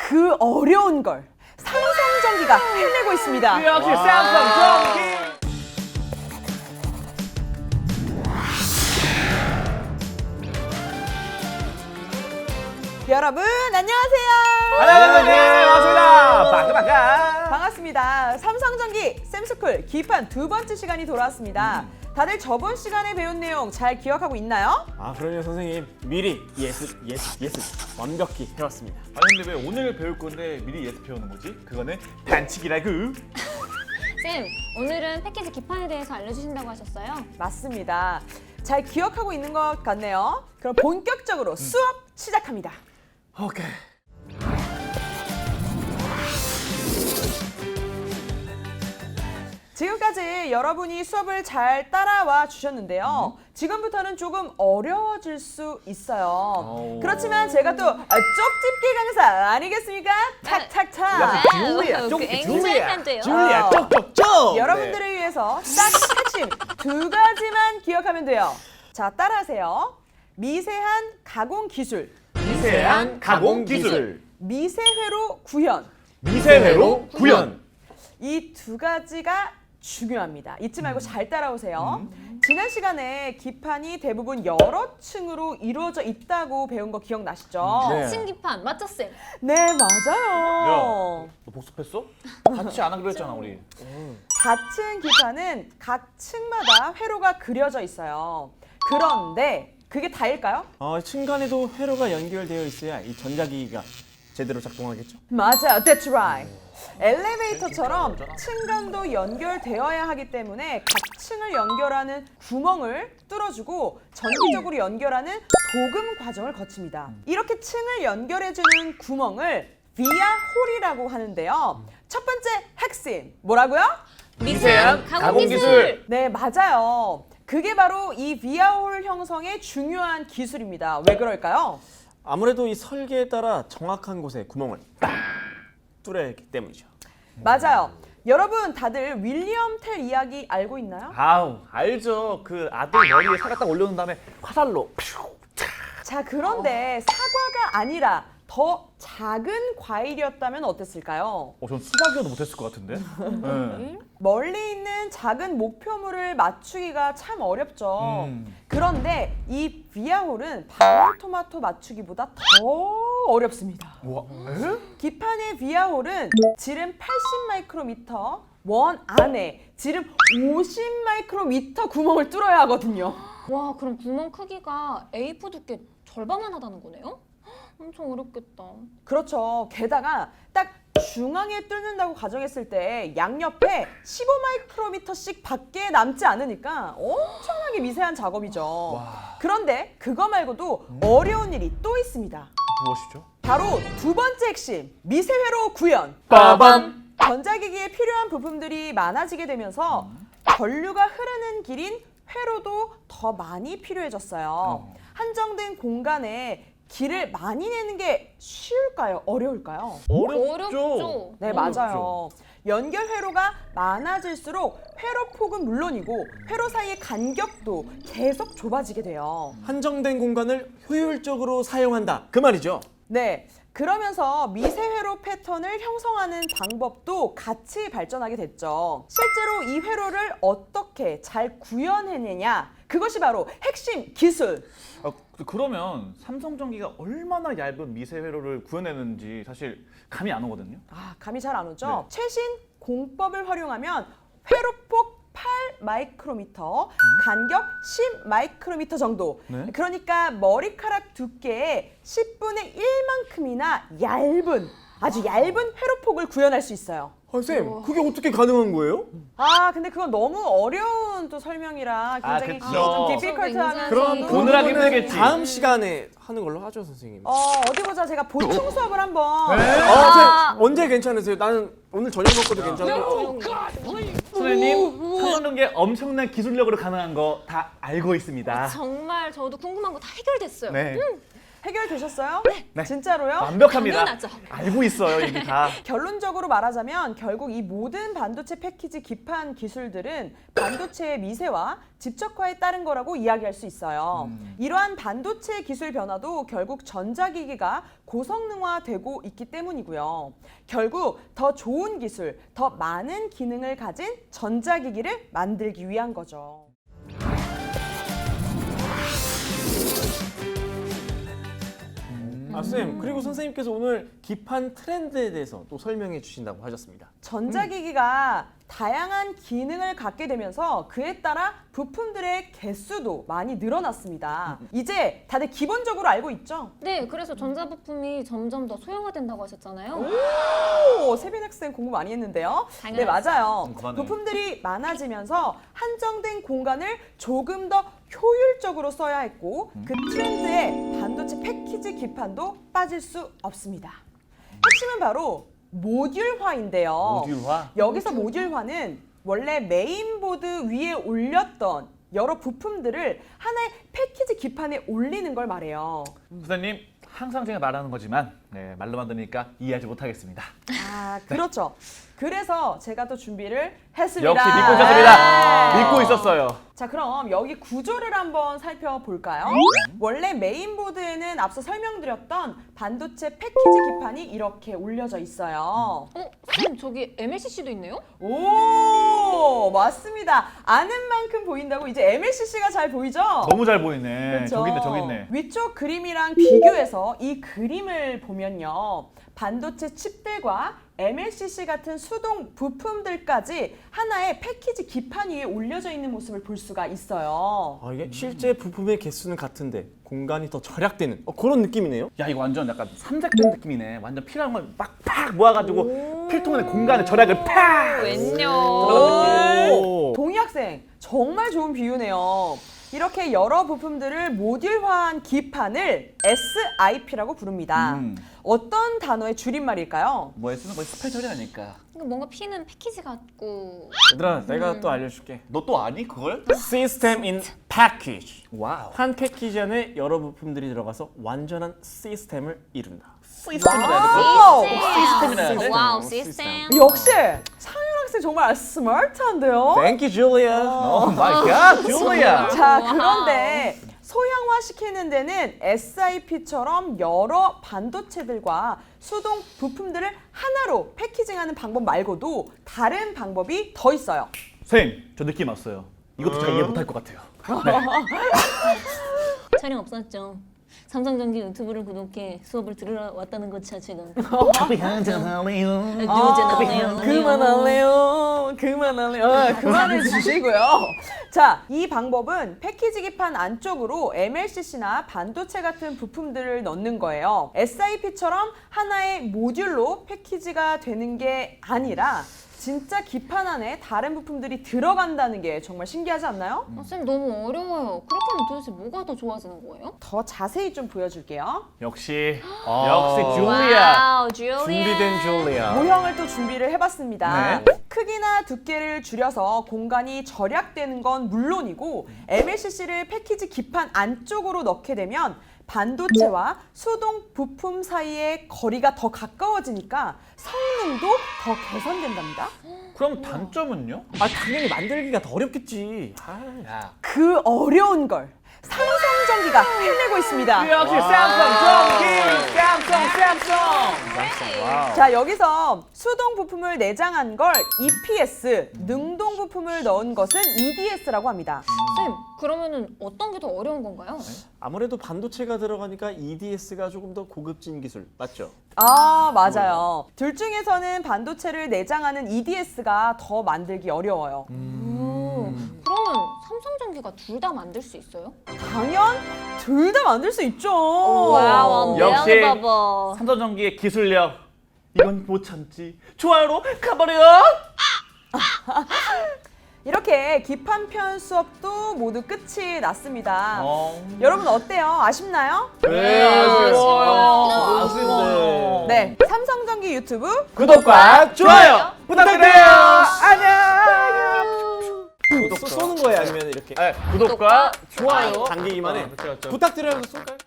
그 어려운 걸 삼성전기가 해내고 있습니다. 역시 삼성전기. 여러분 안녕하세요. 안녕하세요. 반갑습니다. 바까바까. 반갑습니다. 삼성전기 쌤스쿨 기판 두 번째 시간이 돌아왔습니다. 다들 저번 시간에 배운 내용 잘 기억하고 있나요? 아 그럼요 선생님 미리 예습 완벽히 해왔습니다. 아니 근데 왜 오늘 배울 건데 미리 예습 배우는 거지? 그거는 반칙이라고. 쌤, 오늘은 패키지 기판에 대해서 알려주신다고 하셨어요? 맞습니다. 잘 기억하고 있는 것 같네요. 그럼 본격적으로 수업 시작합니다. 오케이. 지금까지 여러분이 수업을 잘 따라와 주셨는데요. 지금부터는 조금 어려워질 수 있어요. 그렇지만 제가 또 쪽집기 강사 아니겠습니까? 탁탁탁! 줄리아, 쪽 굉장히 돼요. 줄리아 쪽쪽쪽. 여러분들을 위해서 딱 핵심 두 가지만 기억하면 돼요. 자, 따라하세요. 미세한 가공 기술, 미세한 가공 기술. 미세회로 구현. 미세회로 구현. 이 두 가지가 중요합니다. 잊지 말고 잘 따라오세요. 지난 시간에 기판이 대부분 여러 층으로 이루어져 있다고 배운 거 기억나시죠? 네. 층기판, 맞죠 쌤? 네, 맞아요. 너 복습했어? 같이 안 하기로 했잖아 우리. 닫힌 기판은 각 층마다 회로가 그려져 있어요. 그런데 그게 다일까요? 층간에도 회로가 연결되어 있어야 이 전자기기가 제대로 작동하겠죠. 맞아요. That's right. 엘리베이터처럼 층간도 연결되어야 하기 때문에 각 층을 연결하는 구멍을 뚫어주고 전기적으로 연결하는 도금 과정을 거칩니다. 이렇게 층을 연결해주는 구멍을 비아홀이라고 하는데요. 첫 번째 핵심 뭐라고요? 미세한 가공 기술! 네, 맞아요. 그게 바로 이 비아홀 형성의 중요한 기술입니다. 왜 그럴까요? 아무래도 이 설계에 따라 정확한 곳에 구멍을 딱 뚫어야 하기 때문이죠. 맞아요. 여러분 다들 윌리엄 텔 이야기 알고 있나요? 아우 알죠. 그 아들 머리에 사과 딱 올려놓은 다음에 화살로. 자, 그런데 사과가 아니라 더 작은 과일이었다면 어땠을까요? 전 수박이어도 못했을 것 같은데. 네. 멀리 있는 작은 목표물을 맞추기가 참 어렵죠. 그런데 이 비아홀은 방울토마토 맞추기보다 더 어렵습니다. 와. 기판의 비아홀은 지름 80 마이크로미터, 원 안에 지름 50 마이크로미터 구멍을 뚫어야 하거든요. 와, 그럼 구멍 크기가 A4 두께 절반만 하다는 거네요? 엄청 어렵겠다. 그렇죠. 게다가 딱 중앙에 뚫는다고 가정했을 때 양옆에 15 마이크로미터씩 밖에 남지 않으니까 엄청나게 미세한 작업이죠. 그런데 그거 말고도 어려운 일이 또 있습니다. 무엇이죠? 바로 두 번째 핵심, 미세회로 구현. 빠밤. 전자기기에 필요한 부품들이 많아지게 되면서 전류가 흐르는 길인 회로도 더 많이 필요해졌어요. 한정된 공간에 길을 많이 내는 게 쉬울까요? 어려울까요? 어렵죠. 네, 맞아요. 연결 회로가 많아질수록 회로 폭은 물론이고 회로 사이의 간격도 계속 좁아지게 돼요. 한정된 공간을 효율적으로 사용한다 그 말이죠. 네, 그러면서 미세회로 패턴을 형성하는 방법도 같이 발전하게 됐죠. 실제로 이 회로를 어떻게 잘 구현해내냐, 그것이 바로 핵심 기술. 그러면 삼성전기가 얼마나 얇은 미세 회로를 구현했는지 사실 감이 안 오거든요. 감이 잘 안 오죠? 네. 최신 공법을 활용하면 회로폭 8 마이크로미터, 간격 10 마이크로미터 정도. 네. 그러니까 머리카락 두께의 10분의 1만큼이나 얇은, 아주 얇은 회로폭을 구현할 수 있어요. 쌤 그게 어떻게 가능한 거예요? 근데 그건 너무 어려운 또 설명이라 굉장히 그쵸. 좀 굉장히. 디피컬트한. 그럼 오늘 하기 힘들겠지. 다음 시간에 하는 걸로 하죠 선생님. 어디 보자. 제가 보충 수업을 한번. 쌤 언제 괜찮으세요? 나는 오늘 저녁 먹고도 괜찮고. 선생님, 삼성전기 엄청난 기술력으로 가능한 거 다 알고 있습니다. 정말 저도 궁금한 거 다 해결됐어요. 네. 해결되셨어요? 네. 진짜로요? 완벽합니다. 당연하죠. 알고 있어요, 이게 다. 결론적으로 말하자면 결국 이 모든 반도체 패키지 기판 기술들은 반도체의 미세와 집적화에 따른 거라고 이야기할 수 있어요. 이러한 반도체 기술 변화도 결국 전자기기가 고성능화되고 있기 때문이고요. 결국 더 좋은 기술, 더 많은 기능을 가진 전자기기를 만들기 위한 거죠. 쌤, 그리고 선생님께서 오늘 기판 트렌드에 대해서 또 설명해 주신다고 하셨습니다. 전자기기가 다양한 기능을 갖게 되면서 그에 따라 부품들의 개수도 많이 늘어났습니다. 이제 다들 기본적으로 알고 있죠? 네, 그래서 전자부품이 점점 더 소형화된다고 하셨잖아요. 오, 세빈 학생 공부 많이 했는데요. 네, 당연하죠. 맞아요. 그만해. 부품들이 많아지면서 한정된 공간을 조금 더 효율적으로 써야 했고 그 트렌드에 반도체 패키지 기판도 빠질 수 없습니다. 핵심은 바로 모듈화인데요. 모듈화? 여기서 모듈화는 원래 메인보드 위에 올렸던 여러 부품들을 하나의 패키지 기판에 올리는 걸 말해요. 선생님, 항상 제가 말하는 거지만 네, 말로만 들으니까 이해하지 못하겠습니다. 아, 그렇죠. 그래서 제가 또 준비를 했습니다. 역시 믿고 있었습니다. 네. 믿고 있었어요. 자, 그럼 여기 구조를 한번 살펴볼까요? 원래 메인보드에는 앞서 설명드렸던 반도체 패키지 기판이 이렇게 올려져 있어요. 쌤, 저기 MLCC도 있네요? 오, 맞습니다. 아는 만큼 보인다고 이제 MLCC가 잘 보이죠? 너무 잘 보이네. 그렇죠? 저기 있네, 저기 있네. 위쪽 그림이랑 비교해서 이 그림을 보면요. 반도체 칩들과 MLCC 같은 수동 부품들까지 하나의 패키지 기판 위에 올려져 있는 모습을 볼 수가 있어요. 이게 실제 부품의 개수는 같은데 공간이 더 절약되는 그런 느낌이네요. 야, 이거 완전 약간 삼색된 느낌이네. 완전 필요한 걸 팍팍 모아가지고 필통의 공간의 절약을 팍! 웬요. 오. 동희 학생, 정말 좋은 비유네요. 이렇게 여러 부품들을 모듈화한 기판을 SIP라고 부릅니다. 어떤 단어의 줄임말일까요? 뭐에 쓰는 거 스페셜이 아닐까. 이거 뭔가 P는 패키지 같고. 얘들아, 내가 또 알려줄게. 너 또 아니 그걸? System in Package. 와우. 한 패키지 안에 여러 부품들이 들어가서 완전한 시스템을 이룬다. 시스템이라 해야 와우. 시스템이라 해야 돼? 와우, 시스템. 시스템. 역시 상윤 학생 정말 스마트한데요? Thank you, Julia. 오 마이 갓, 줄리아. 자, 와우. 그런데 소형화시키는 데는 SIP처럼 여러 반도체들과 수동 부품들을 하나로 패키징하는 방법 말고도 다른 방법이 더 있어요. 선생님, 저 느낌 왔어요. 이것도 잘 이해 못할 것 같아요. 촬영 없었죠. 삼성전기 유튜브를 구독해 수업을 들으러 왔다는 것 자체가 그만할래요. 그만해 주시고요. 자, 이 방법은 패키지 기판 안쪽으로 MLCC나 반도체 같은 부품들을 넣는 거예요. SIP처럼 하나의 모듈로 패키지가 되는 게 아니라 진짜 기판 안에 다른 부품들이 들어간다는 게 정말 신기하지 않나요? 쌤 너무 어려워요. 그렇게 하면 도대체 뭐가 더 좋아지는 거예요? 더 자세히 좀 보여줄게요. 역시 줄리아. 와우, 줄리아. 준비된 줄리아. 모형을 또 준비를 해봤습니다. 네. 크기나 두께를 줄여서 공간이 절약되는 건 물론이고 MLCC를 패키지 기판 안쪽으로 넣게 되면 반도체와 수동 부품 사이의 거리가 더 가까워지니까 성능도 더 개선된답니다. 그럼 단점은요? 당연히 만들기가 더 어렵겠지. 야. 그 어려운 걸 삼성전기가 해내고 있습니다. 역시 삼성. 와우. 자, 여기서 수동 부품을 내장한 걸 EPS, 능동 부품을 넣은 것은 EDS라고 합니다. 쌤, 그러면은 어떤 게 더 어려운 건가요? 아무래도 반도체가 들어가니까 EDS가 조금 더 고급진 기술 맞죠? 아, 맞아요. 둘 중에서는 반도체를 내장하는 EDS가 더 만들기 어려워요. 그러면 삼성전기가 둘 다 만들 수 있어요? 당연 둘 다 만들 수 있죠. 와우, 역시 바보. 삼성전기의 기술력 이건 못 참지. 좋아요로 가버려. 이렇게 기판편 수업도 모두 끝이 났습니다. 어. 여러분 어때요? 아쉽나요? 네, 아쉬워요. 네, 삼성전기 유튜브 구독과 좋아요 부탁드려요. 안녕. 쏘는 거예요 아니면 이렇게 구독과 좋아요 당기기만 해. 그렇죠. 부탁드려요 쏠까요?